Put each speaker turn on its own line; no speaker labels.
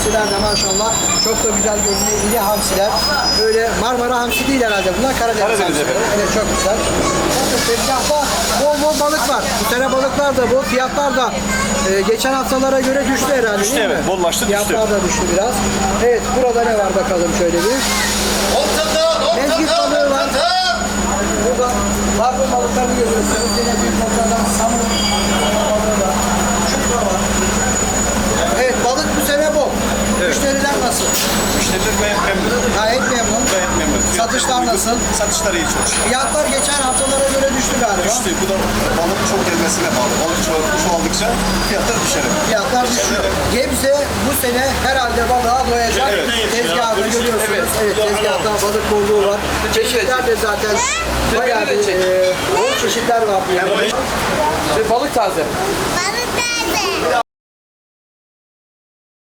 hamsiler de maşallah çok da güzel görünüyor. İri hamsiler. Öyle Marmara hamsi değil herhalde bunlar. Karadeniz hamsileri. Evet çok güzel. Bakın tezgahta bol bol balık var. Bu sene balıklar da bol. Fiyatlar da geçen haftalara göre düştü herhalde değil mi?
Evet, bollaştı, düştü.
Fiyatlar da düştü biraz. Evet burada ne var bakalım şöyle bir. Mezgit balığı var. Burada barbun balıklarını görüyorsunuz. Yine büyük balıklardan samur balığı var. Çupra var. Evet balık bu sene bol.
Evet.
Müşteriler nasıl?
Müşteriler gayet memnun.
Gayet memnun.
Gayet memnun.
Satışlar nasıl?
Satışlar iyi çok şükür.
Fiyatlar geçen haftalara göre düştü galiba.
Düştü. Bu da balık çok gelmesine bağlı. Balık çoğaldıkça fiyatlar düşer.
Fiyatlar düşüyor. Gebze bu sene herhalde balığa doyacak.
Evet.
Tezgahını görüyorsunuz.
Evet.
Evet tezgahta balık bolluğu var. Çeşitler de zaten bayağı bir bol çeşitler var.
Balık taze.
Balık da